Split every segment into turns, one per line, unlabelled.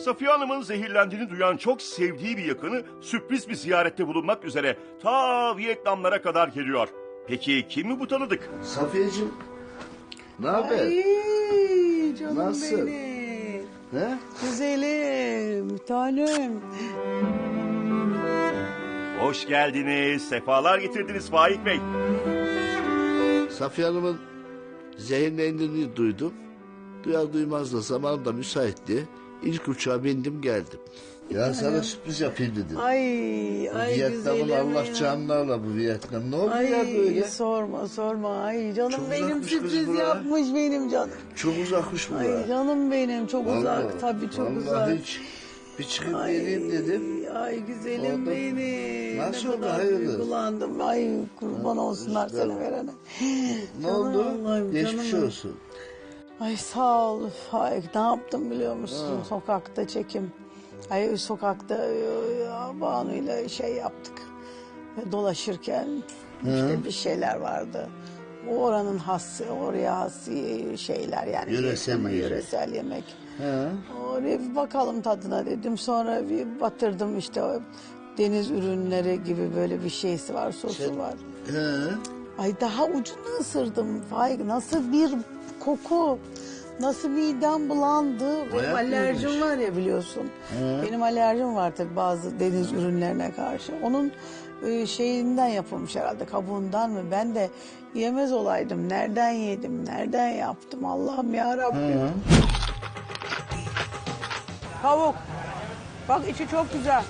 Safiye Hanım'ın zehirlendiğini duyan çok sevdiği bir yakını sürpriz bir ziyarette bulunmak üzere ta Vietnamlara kadar geliyor. Peki kim mi bu tanıdık?
Safiyeciğim, ne haber?
Ay canım
Nasıl?
benim.
He?
Güzelim, tanem.
Hoş geldiniz, sefalar getirdiniz Faik Bey.
Safiye Hanım'ın zehirlendiğini duydum. Duyar duymaz da zamanım da müsaitti. İlk uçağa bindim geldim. Ya sana sürpriz yapayım dedim.
Ay
Vietnam'ın
güzelim
Allah
ya.
canlarla bu Vietnam. Ne oldu
Ay
ya böyle?
sorma. Ay canım
Çok
benim
uzakmış kız
sürpriz
bura.
yapmış benim canım.
Çok uzakmış bu.
Ay canım benim çok uzak tabii çok uzak.
Vallahi hiç bir çıkıp geleyim dedim.
Ay güzelim
Orada-
benim.
Nasıl
Ne
oldu,
kadar
hayırdır?
duygulandım. Ay kurban olsunlar
işte.
seni verene.
Ne
Canım
oldu?
Allah'ım,
Geçmiş
canım.
olsun.
Ay sağ ol Faik. Ne yaptım biliyor musun? Sokakta çekim. Ay sokakta Banu'yla şey yaptık. Dolaşırken işte bir şeyler vardı. O oranın hası, oraya has şeyler yani.
Yöresel
Vietnam'ın
yiyecek.
yöresel yemek.
He.
Oraya bir bakalım tadına dedim. Sonra bir batırdım işte o deniz ürünleri gibi böyle bir şeysi var, sosu var.
He.
Ay daha ucunu ısırdım Faik. Nasıl bir koku. Nasıl midem bulandı. Benim
Bayağı
alerjim
iyiymiş.
var ya biliyorsun. Benim alerjim var tabii bazı deniz ürünlerine karşı. Onun şeyinden yapılmış herhalde kabuğundan mı? Ben de yemez olaydım. Nereden yedim? Nereden yaptım? Allah'ım ya Rabbim. Tavuk. Bak içi çok güzel.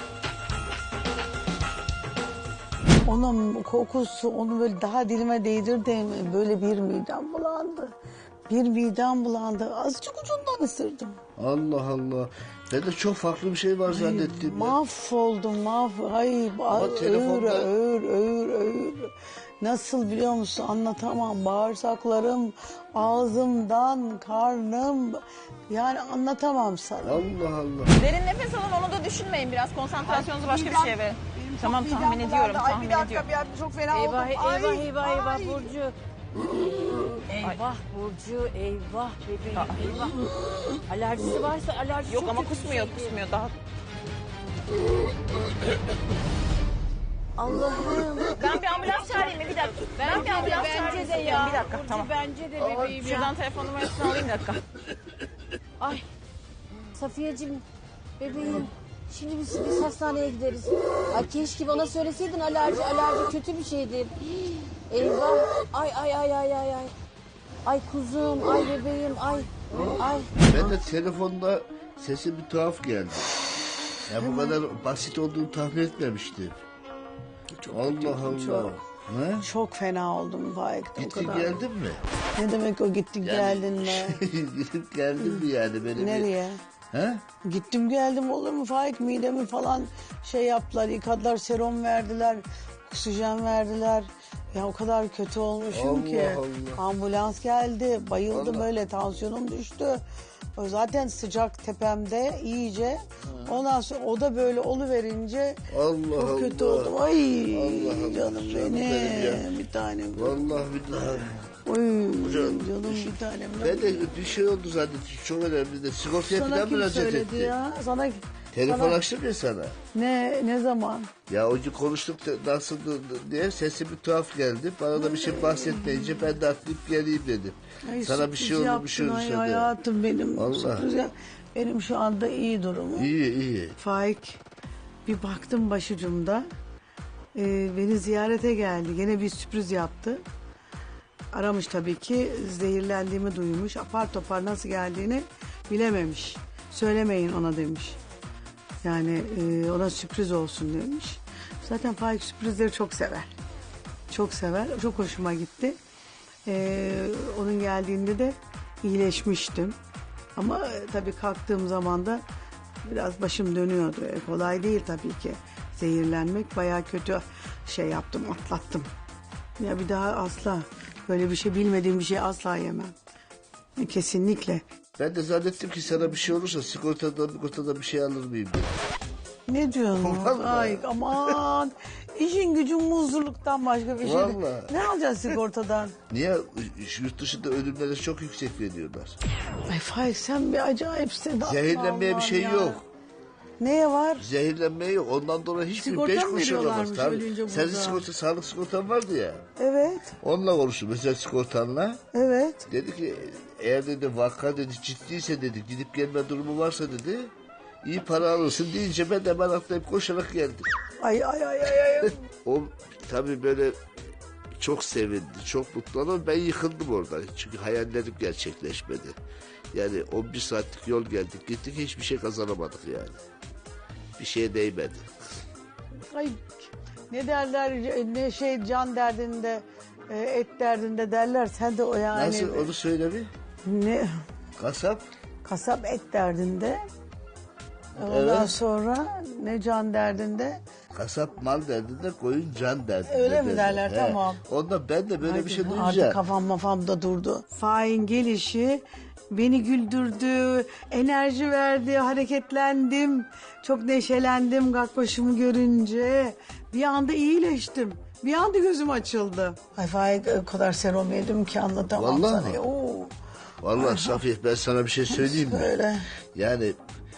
Onun kokusu, onu böyle daha dilime değdirdim. Böyle bir midem bulandı. Bir midem bulandı. Azıcık ucundan ısırdım.
Allah Allah. Ben de çok farklı bir şey var zannettim. ya.
Mahvoldum, Ay,
telefonda-
ağır. Nasıl biliyor musun anlatamam. Bağırsaklarım, ağzımdan, karnım. Yani anlatamam sana.
Allah Allah.
Derin nefes alın, onu da düşünmeyin biraz. Konsantrasyonunuzu başka bir şeye verin. Tamam, tahmin ediyorum, tahmin ediyorum.
Çok fena oldum.
Eyvah Burcu. Eyvah Burcu, eyvah bebeğim, eyvah. Alerjisi varsa alerji
Yok
çok
ama
kötü bir
kusmuyor,
şeydir.
kusmuyor. Daha
Allah'ım.
ben bir ambulans çağırayım mı? Bir dakika. Ben bir ambulans çağırayım
Bence de
istiyorum.
ya.
Bir dakika,
Burcu
tamam.
bence de bebeğim ya.
Şuradan telefon numarasını alayım bir dakika.
Ay. Safiyeciğim, bebeğim. Şimdi biz hastaneye gideriz. Ay keşke bana söyleseydin alerji kötü bir şeydir. Eyvah. Ay. Ay kuzum, ay bebeğim, ay.
Ben de telefonda sesi bir tuhaf geldi. Ya bu kadar basit olduğunu tahmin etmemiştim. Allah Allah.
çok.
Ne?
Çok fena oldum Faik. O
Gittin
kadar.
geldin mi?
Ne demek o gittin geldin mi?
Gidip geldin mi yani? Böyle
Nereye?
Bir... He?
Gittim geldim olur mu Faik midemi falan şey yaptılar yıkadılar serum verdiler oksijen verdiler. Ya o kadar kötü olmuşum
Allah
ki
Allah.
ambulans geldi bayıldım
Allah.
öyle tansiyonum düştü. O zaten sıcak tepemde iyice ondan sonra o da böyle oluverince
Allah
çok kötü
Allah.
oldum. Ay
Allah Allah,
canım
canım benim
benim
ya.
bir tanem.
Vallahi billahi.
Oy
Canım.
canım bir tanem.
Ben de bir şey oldu zannettim. Çok önemli de. Sigortaya
Sana
falan
kim
müracaat
söyledi
etti.
ya? Sana
Telefon
sana-
açtım ya sana.
ne zaman?
Ya o gün konuştuk da nasıl diye sesi bir tuhaf geldi. Bana da bir şey bahsetmeyince ben de atlayıp geleyim dedim.
Ay,
Sana bir şey oldu bir şey
yaptın,
olursa
ay,
de.
hayatım benim.
Allah.
Sürpriz benim şu anda iyi durumum.
İyi.
Faik bir baktım başucumda. Beni ziyarete geldi. Gene bir sürpriz yaptı. Aramış tabii ki zehirlendiğimi duymuş. Apar topar nasıl geldiğini bilememiş. Söylemeyin ona demiş. Yani ona sürpriz olsun demiş. Zaten Faik sürprizleri çok sever. Çok sever. Çok hoşuma gitti. Onun geldiğinde de iyileşmiştim. Ama tabii kalktığım zaman da biraz başım dönüyordu. Kolay değil tabii ki. Zehirlenmek bayağı kötü şey yaptım, atlattım. Ya bir daha asla böyle bir şey bilmediğim bir şey asla yemem. Kesinlikle.
Ben de zannettim ki sana bir şey olursa sigortadan bir şey alır mıyım dedim.
Ne diyorsun?
Vallahi.
Ay aman. İşin gücün muzluluktan başka bir şey değil.
Vallahi.
Ne alacaksın sigortadan?
Niye? Yurt dışında ölümlere çok yüksek veriyorlar.
Ay Faik sen bir acayipsin.
Zehirlenmeye bir
Allah'ım
şey
ya.
yok.
Neye var?
Zehirlenmeye yok. Ondan dolayı hiçbir
Sigorta
5
mı
kuruş alamaz.
veriyorlarmış
Tabii.
ölünce
Senin
burada?
sigorta, sağlık sigortan vardı ya.
Evet.
Onunla konuştum mesela sigortanla.
Evet.
Dedi ki eğer dedi vaka dedi ciddiyse dedi gidip gelme durumu varsa dedi iyi para alırsın deyince ben de hemen atlayıp koşarak geldim.
Ay ay ay ay ay.
O tabii böyle çok sevindi, çok mutlu ama ben yıkıldım orada. Çünkü hayallerim gerçekleşmedi. Yani 11 saatlik yol geldik gittik hiçbir şey kazanamadık yani. Bir şeye değmedi.
Ay ne derler ne şey can derdinde et derdinde derler sen de o yani.
Nasıl onu söyle bir.
Ne
Kasap
kasap et derdinde. Ondan
Evet.
sonra ne can derdinde.
kasap mal derdinde koyun can derdinde.
Öyle mi derler?
He.
Tamam.
Ondan ben de böyle bir şey
Artık
duyunca.
kafam mafamda durdu. Faik'in gelişi beni güldürdü, enerji verdi, hareketlendim. Çok neşelendim Gakbaşımı görünce. Bir anda iyileştim. Bir anda gözüm açıldı. Ay Faik o kadar serum yedim ki anlatamam
Vallahi
sana.
mi?
Oo.
Vallahi Safiye ben sana bir şey söyleyeyim mi?
Söyle.
Yani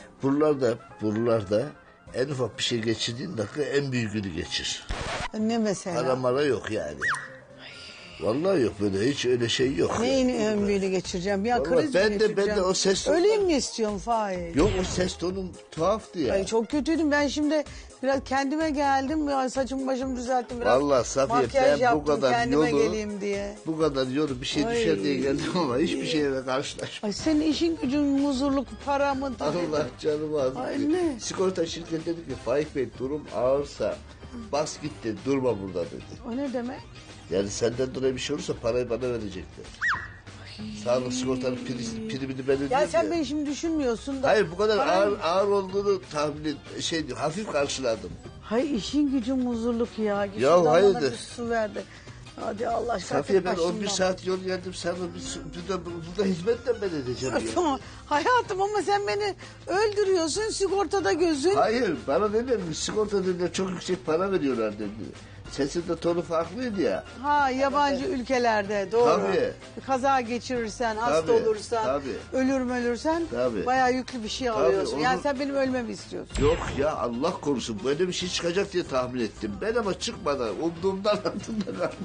buralarda en ufak bir şey geçirdiğin dakika en büyüğünü geçir.
Ne mesela?
Para mara yok yani. Vallahi yok böyle hiç öyle şey yok.
Neyin ön büyüğünü geçireceğim? Ya
Vallahi
kriz mi
ben de
geçireceğim?
o ses
Öleyim mi istiyorsun Faik?
Yok o ses tonun tuhaftı ya.
Ay çok kötüydüm. Ben şimdi biraz kendime geldim. Ya saçımı başımı düzelttim biraz.
Vallahi Safiye,
makyaj
ben bu
yaptım
kadar
kendime
yolu-
geleyim diye.
Bu kadar yolu bir şey
Ay.
düşer diye geldim ama hiçbir şeyle karşılaşmadım.
Ay senin işin gücün huzurluk para mı?
Allah canımı aldı.
Ay ne?
Sigorta şirketi dedi ki Faik Bey durum ağırsa bas git dedi durma burada dedi.
O ne demek?
Yani senden dolayı bir şey olursa parayı bana verecekler. Sağlık sigortanın primini ben ödüyorum
Ya sen
ya.
beni şimdi düşünmüyorsun da.
Hayır bu kadar
Param-
ağır olduğunu hafif karşıladım.
Hay işin gücün huzurluk ya. Git
Ya
şuradan bana
hayırdır?
bir su ver de. Hadi Allah aşkına.
Safiye ben
başımdan.
11 saat yol geldim sana burada hizmetle ben edeceğim ya.
Tamam. Hayatım ama sen beni öldürüyorsun sigortada gözün.
Hayır bana dediler sigorta dediler çok yüksek para veriyorlar dedi. Sesin de tonu farklıydı ya.
Ha yabancı ülkelerde doğru.
Tabii.
Kaza geçirirsen, hasta
Tabii,
olursan,
tabii.
ölürsen
Tabii.
bayağı yüklü bir şey alıyorsun.
onu-
Yani sen benim ölmemi istiyorsun.
Yok ya Allah korusun böyle bir şey çıkacak diye tahmin ettim. Ben ama çıkmadan umduğumdan altında kaldım.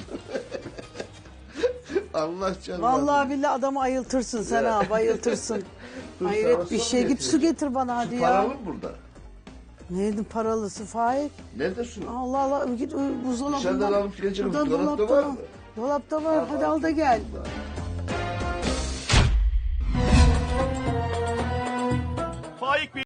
Allah canım.
Vallahi billahi adamı ayıltırsın sen
Ya.
ha bayıltırsın.
Dur,
Hayret
sana
bir
su
şey. Git
getireyim.
su getir bana hadi ya.
Paralı mı burada?
Neydi paralısı Faik?
Nerede su?
Allah Allah git buzdolabından.
Dışarıdan alıp geleceğim.
Buradan
Dolapta var mı?
Dolapta var. Hadi al da gel.